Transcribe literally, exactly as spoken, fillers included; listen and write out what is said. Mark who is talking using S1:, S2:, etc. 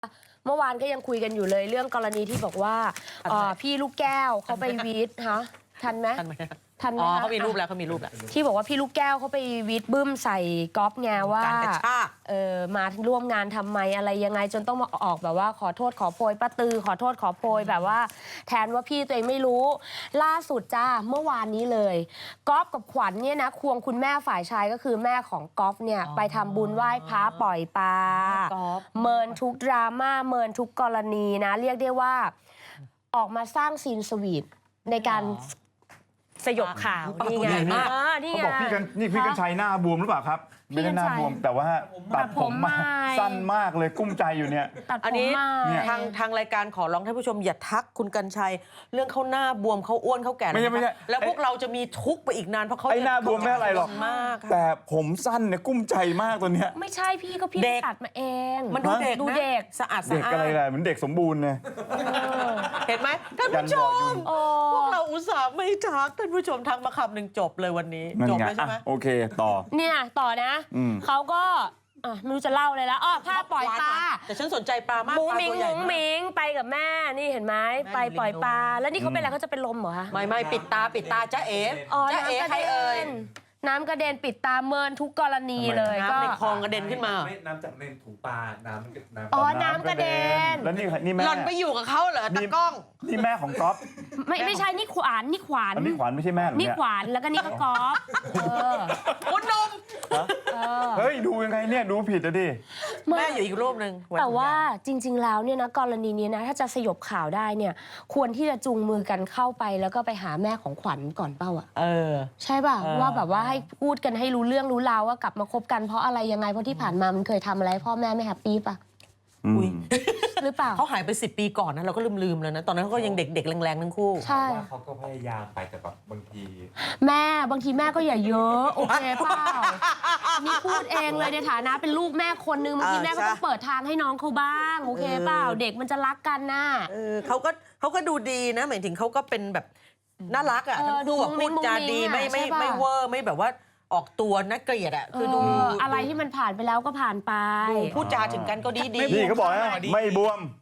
S1: เมื่อวานก็ยังคุยกันอยู่เลยเรื่องกรณีที่บอกว่าพี่ลูกแก้วเขาไปวีดฮะทันไหม
S2: ทันไหม
S1: ทันไหม
S2: อ๋อเขามีรูปแล้วเขามีรูปแล้ว
S1: ที่บอกว่าพี่ลูกแก้วเขาไปวีดบึ้มใส่ก๊อฟไงว่า
S2: การกระชาก
S1: เออมาร่วมงานทำไมอะไรยังไงจนต้องมาออกแบบว่าขอโทษขอโพยป้าตือขอโทษขอโพยแบบว่าแทนว่าพี่ตัวเองไม่รู้ล่าสุดจ้าเมื่อวานนี้เลยก๊อฟกับขวัญเนี่ยนะควงคุณแม่ฝ่ายชายก็คือแม่ของก๊อฟเนี่ยไปทำบุญไหว้พระปล่อยปลาเมินทุกดราม่าเมินทุกกรณีนะเรียกได้ว่าออกมาสร้างซีนสวีทในการสยบข่าวนี่ไงนี่ไง
S3: เขาบอกพี่กันนี่พี่กันชัยหน้าบวมหรือเปล่าครับไม่ได้หน้าบวมแต่ว่าตัดผมมาสั้นมากเลยกุ้มใจอยู่เนี่ย
S2: อันนี้ทางทางรายการขอร้องท่านผู้ชมอย่าทักคุณกันชัยเรื่องเขาหน้าบวมเขาอ้วนเขาแก่
S3: ไม่ใช่ไม่ใช่
S2: แล้วพวกเราจะมีทุกข์ไปอีกนานเพราะเขา
S3: ไอ้หน้าบวมไม่อะไรหรอกแต่ผมสั้นเนี่ยกุ้มใจมากตัวเนี้ย
S1: ไม่ใช่พี่ก็พี่ตัดมาเอง
S2: มันดูเด็ก
S1: ดูเด็ก
S2: สะอาดสะอาด
S3: เด็กอะไรเลยเหมือนเด็กสมบูรณ์เนี่ย
S2: เห็นไหมท่านผู้ชมพวกเราอุตส่าห์ไม่ทักท่านผู้ชมทักมาคำหนึ่งจบเลยวันนี้จบเลยใช่ไหม
S3: โอเคต่อ
S1: เนี่ยต่อนะเขาก็ไม่รู้จะเล่าเลยแล้วอ๋อภาพปล่อยปลา
S2: แต่ฉันสนใจปลามาก
S1: มุ้งมิงมุ้งมิงไปกับแม่นี่เห็นไหมไปปล่อยปลาแล้วนี่เขาเป็นอะไรเขาจะเป็นลมเหรอคะ
S2: ไม่ไม่ปิดตาปิดตาจ้าเอ๋
S1: จ้าเอ๋ใครเอ่ยน้ำกระเด็นปิดตาเมินทุกกรณีเลยก็
S2: ในคลองกระเด็นขึ้นมา
S4: น้ำจากในถุงปลาน้ำน้
S1: ำอ๋อน้ำกระเด็น
S3: แล้วนี่นี่แม่
S2: หล่อนไปอยู่กับเขาเหรอตะก้อง
S3: นี่แม่ของก๊อฟ
S1: ไม่ไม่ใช่นี่ขวานนี่ขวาน
S3: นี่ขวานไม่ใช่แม่
S1: นี่ขวานแล้วก็นี่ก็ก๊อฟ
S2: คุณนม
S3: เฮ้ยดูยังไงเนี่ยดูผิดอะดิ
S2: แม่อยู่อีกรูปหนึ่ง
S1: แต่ว่าจริงๆแล้วเนี่ยนะกรณีนี้นะถ้าจะสยบข่าวได้เนี่ยควรที่จะจูงมือกันเข้าไปแล้วก็ไปหาแม่ของขวัญก่อนเป้าอ่ะ
S2: เออ
S1: ใช่ป่ะว่าแบบว่าให้พูดกันให้รู้เรื่องรู้ราวว่ากลับมาคบกันเพราะอะไรยังไงเพราะที่ผ่านมามันเคยทำอะไรพ่อแม่ไม่แฮปปี้ป่ะ
S2: อุ้ย
S1: หรือเปล่า
S2: เขาหายไปสิบปีก่อนนะเราก็ลืมๆแล้วนะตอนนั้นเขาก็ยังเด็กๆแรงๆทั้งคู่
S1: ใช่
S4: เขาก็พยายามไปแต่แบบบางที
S1: แม่บางทีแม่ก็อย่าเยอะโอเคเปล่านี่พูดเองเลยในฐานะเป็นลูกแม่คนนึงบางทีแม่ก็ต้องเปิดทางให้น้องเขาบ้างโอเคเปล่าเด็กมันจะรักกันน่ะ
S2: เออเขาก็เขาก็ดูดีนะหมายถึงเขาก็เป็นแบบน่ารักอ่ะทั้งคู่แบบพูดจาดีไม่ไม่ไม่เวอร์ไม่แบบว่าออกตัวน่าเกลียดอ่ะคือดู
S1: อะไรที่มันผ่านไปแล้วก็ผ่านไป
S2: พูดจาถึงกันก็ดีดี
S3: นี่เขาบอกนะไม่บวม